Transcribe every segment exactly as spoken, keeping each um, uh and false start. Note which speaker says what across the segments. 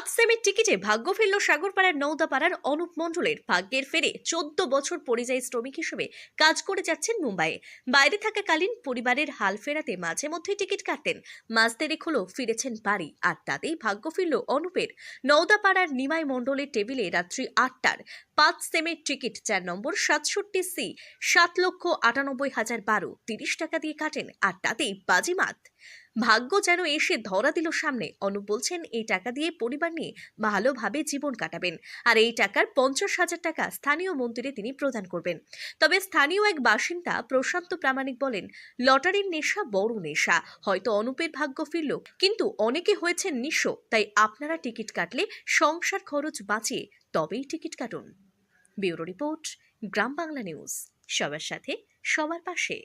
Speaker 1: সেমির টিকিটে ভাগ্য ফিরল সাগরপাড়ার নওদাপাড়ার অনুপ মণ্ডলের। ভাগ্যের ফেরে চোদ্দ বছর পরিযায়ী শ্রমিক হিসেবে কাজ করে যাচ্ছেন মুম্বাইয়ে। বাইরে থাকাকালীন পরিবারের হাল ফেরাতে মাঝে মধ্যেই টিকিট কাটতেন। মাস দেড়েক হলো ফিরেছেন বাড়ি, আর তাতেই ভাগ্য ফিরল অনুপের। নওদাপাড়ার নিমাই মণ্ডলের টেবিলে রাত্রি আটটার পাঁচ সেমের টিকিট, চার নম্বর সাতষট্টি সি, সাত লক্ষ আটানব্বই হাজার বারো তিরিশ টাকা দিয়ে কাটেন, আর তাতেই বাজিমাত। ভাগ্য যেন এসে ধরা দিল সামনে। অনুপ বলছেন এই টাকা দিয়ে পরিবার নিয়ে ভালোভাবে জীবন কাটাবেন, আর এই টাকার পঞ্চাশ হাজার টাকা স্থানীয় মন্দিরে তিনি প্রদান করবেন। তবে স্থানীয় এক বাসিন্দা প্রশান্ত প্রামাণিক বলেন, লটারির নেশা বড় নেশা। হয়তো অনুপের ভাগ্য ফিরল, কিন্তু অনেকে হয়েছেন নিঃস্ব। তাই আপনারা টিকিট কাটলে সংসার খরচ বাঁচিয়ে তবেই টিকিট কাটুন। Bureau report, Gram Bangla news. সবার সাথে, সবার পাশে।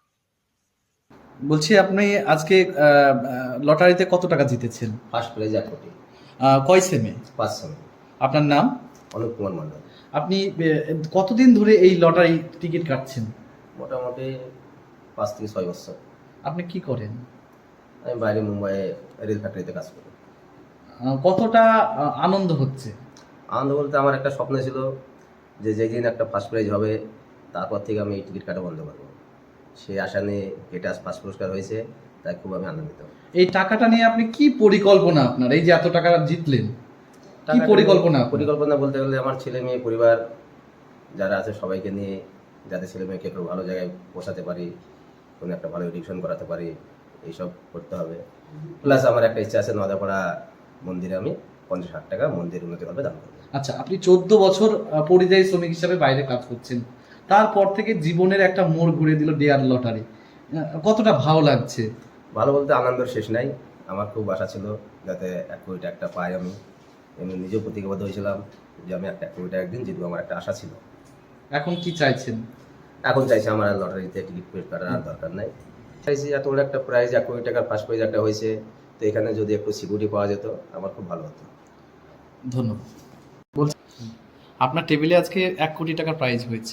Speaker 2: বলছি, আপনি আজকে আহ, লটারিতে কত টাকা জিতেছেন?
Speaker 3: ফার্স্ট প্রাইজ এক কোটি।
Speaker 2: আহ, কয় সেমে?
Speaker 3: পাঁচ সেমে।
Speaker 2: আপনার নাম?
Speaker 3: অনুপ কুমার মণ্ডল।
Speaker 2: আপনি আহ, কতদিন ধরে এই লটারি টিকিট কাটছেন?
Speaker 3: মোটামুটি পাঁচ থেকে ছয় বছর।
Speaker 2: আপনি কি করেন?
Speaker 3: আমি বাইরে মুম্বাইয়ে রেল ফ্যাক্টরিতে কাজ করি।
Speaker 2: আহ, কতটা আহ, আনন্দ হচ্ছে?
Speaker 3: আনন্দ বলতে আমার একটা স্বপ্ন ছিল যে যেদিন একটা ফার্স্ট প্রাইজ হবে তারপর থেকে আমি এই টিকিট কাটা বন্ধ করবো। সেই আশা নিয়ে এটা আজ ফার্স্ট পুরস্কার হয়েছে, তাই খুব আমি আনন্দিত।
Speaker 2: এই টাকাটা নিয়ে আপনি কি পরিকল্পনা, আপনার এই যে এত টাকা জিতলেন, কি
Speaker 3: টাকাটা-
Speaker 2: পরিকল্পনা?
Speaker 3: পরিকল্পনা বলতে গেলে আমার ছেলে মেয়ে পরিবার যারা আছে সবাইকে নিয়ে যাতে ছেলে মেয়েকে একটু ভালো জায়গায় পৌঁছাতে পারি, কোনো একটা ভালো এডুকেশন করাতে পারি, এইসব করতে হবে। প্লাস আমার একটা ইচ্ছা আছে নওদাপাড়া মন্দিরে আমি পঞ্চাশ হাজার টাকা মন্দির উন্নতি করবে দান করবো।
Speaker 2: আচ্ছা, আপনি চোদ্দ বছর আহ, পরিযায়ী শ্রমিক হিসাবে বাইরে কাজ করছেন, তারপর থেকে জীবনের একটা মোড় ঘুরে দিল ডেয়ার লটারি। আহ, কতটা ভালো লাগছে?
Speaker 3: ভালো বলতে আনন্দের শেষ নাই। আমার খুব আশা ছিল যাতে এক কোটি টাকা পাই। আমি আমি নিজেও প্রতিজ্ঞাবদ্ধ হয়েছিলাম যে আমি একটা এক কোটি টাকা একদিন জিতবো, আমার একটা আশা ছিল।
Speaker 2: এখন কি চাইছেন?
Speaker 3: এখন চাইছি আমার আর লটারিতে টিকিট পেড কাটার আর দরকার নাই। চাইছি এত বড় একটা প্রাইজ, এক কোটি টাকার ফার্স্ট প্রাইজ একটা হয়েছে, তো এখানে যদি একটু সিকিউরিটি পাওয়া যেত আমার খুব ভালো হতো।
Speaker 2: ধন্যবাদ। বলছি, আপনার টেবিলে আজকে এক কোটি টাকার প্রাইজ হয়েছে,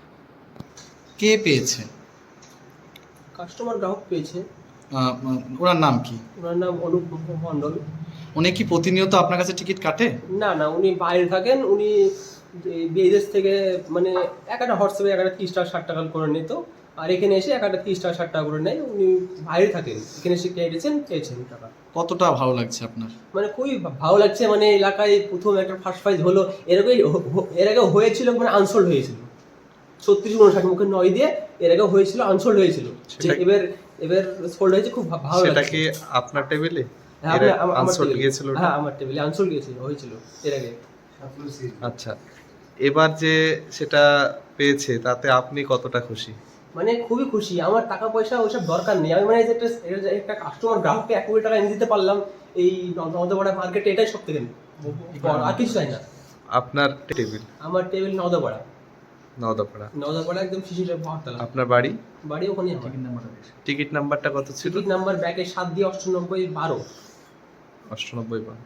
Speaker 2: কে পেয়েছে?
Speaker 4: কাস্টমার গ্রাহক পেয়েছে।
Speaker 2: আহ, ওনার নাম কি?
Speaker 4: ওনার নাম অনুপ মণ্ডল।
Speaker 2: উনি কি প্রতিনিয়ত আপনার কাছে টিকিট কাটে?
Speaker 4: না না, উনি বাইরে থাকেন। উনি যে বিদেশ থেকে মানে এক একটা হোয়াটসঅ্যাপে এক একটা তিরিশ টাকা ষাট টাকা করে নিত, আর এখানে এসে এক একটা তিরিশ টাকা ষাট টাকা করে নেয়। উনি বাইরে থাকেন, এখানে এসে কেটেছেন, পেয়েছেন টাকা।
Speaker 2: কতটা ভালো লাগছে আপনার?
Speaker 4: মানে খুবই ভালো লাগছে। মানে এলাকায় প্রথম একটা ফার্স্ট প্রাইজ হলো, এরকম এর আগে হয়েছিল, মানে আনসোল্ড হয়েছিল ছত্রিশ উনষাট মুখে নয় দিয়ে, এর আগে হয়েছিল আনসোল্ড হয়েছিল, এবার এবার সোল্ড হয়েছে। খুব ভালো
Speaker 5: সেটা
Speaker 4: লাগছে।
Speaker 5: কি আপনার টেবিলে?
Speaker 4: হ্যাঁ, আপনি- আমার
Speaker 5: আনসোল্ড
Speaker 4: টেবিলে।
Speaker 5: গিয়েছিল ওটা?
Speaker 4: হ্যাঁ, আমার টেবিলে আনসোল্ড গিয়েছিল, হয়েছিল এর আগে।
Speaker 5: আচ্ছা, এবার যে সেটা পেয়েছে তাতে আপনি কতটা খুশি?
Speaker 4: মানে খুবই খুশি। আমার টাকা পয়সা ওইসব দরকার নেই। আমি মানে যে একটা একটা কাস্টমার গ্রাহককে এক কোটি টাকা এনে দিতে পারলাম এই নওদাপাড়া মার্কেটে, এটাই সব থেকে বড়, আর কিছু চাই না।
Speaker 5: আপনার টেবিল?
Speaker 4: আমার টেবিল নওদাপাড়া।
Speaker 5: নওদাপাড়া।
Speaker 4: নওদাপাড়া একদম শিশির বহরতলা।
Speaker 5: আপনার বাড়ি?
Speaker 4: বাড়ি ওখানেই আমার।
Speaker 5: টিকিট নাম্বারটা কত ছিল?
Speaker 4: টিকিট নাম্বার ব্যাকে সাত দিয়ে অষ্টানব্বই বারো।
Speaker 5: অষ্টানব্বই বার।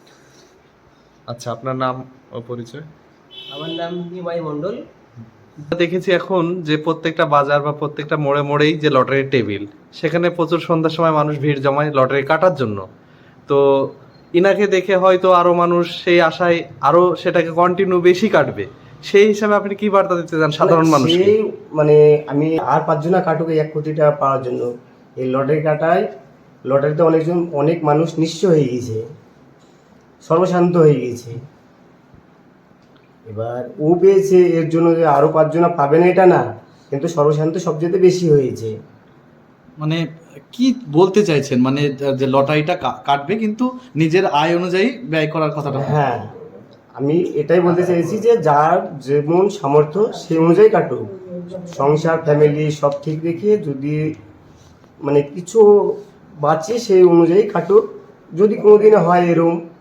Speaker 5: আচ্ছা, আপনার নাম ও পরিচয়?
Speaker 4: আমার নাম নিমাই মণ্ডল।
Speaker 5: দেখেছি এখন যে প্রত্যেকটা বাজার বা প্রত্যেকটা মোড়ে মোড়েই যে লটারির টেবিল, সেখানে প্রচুর সন্ধ্যার সময় মানুষ ভিড় জমায় লটারি কাটার জন্য। তো ইনাকে দেখে হয়তো আরো মানুষ সেই আশায় আরো সেটাকে কন্টিনিউ বেশি কাটবে। সেই হিসাবে আপনি কি বার্তা দিতে চান সাধারণ মানুষকে?
Speaker 6: সেই মানে আমি আর পাঁচজনা কাটুক এই এক কোটি টাকা পাওয়ার জন্য। এই লটারি কাটায় লটারিতে অনেকজন অনেক মানুষ নিঃস্ব হয়ে গিয়েছে, সর্বশান্ত হয়ে গিয়েছে। এবার ও পেয়েছে, এর জন্য যে আরো পাঁচজনা পাবে না এটা না, কিন্তু সর্বশান্ত সবচেয়ে বেশি হয়েছে।
Speaker 2: মানে কি বলতে চাইছেন? মানে যে লটারিটা কা- কাটবে, কিন্তু নিজের আয় অনুযায়ী ব্যয় করার কথাটা।
Speaker 6: হ্যাঁ, আমি এটাই বলতে চাইছি যে যার যেমন সামর্থ্য সেই অনুযায়ী কাটুক। সংসার ফ্যামিলি সব ঠিক রেখে যদি মানে কিছু বাঁচে সেই অনুযায়ী কাটুক। যদি কোনোদিনে হয় এরকম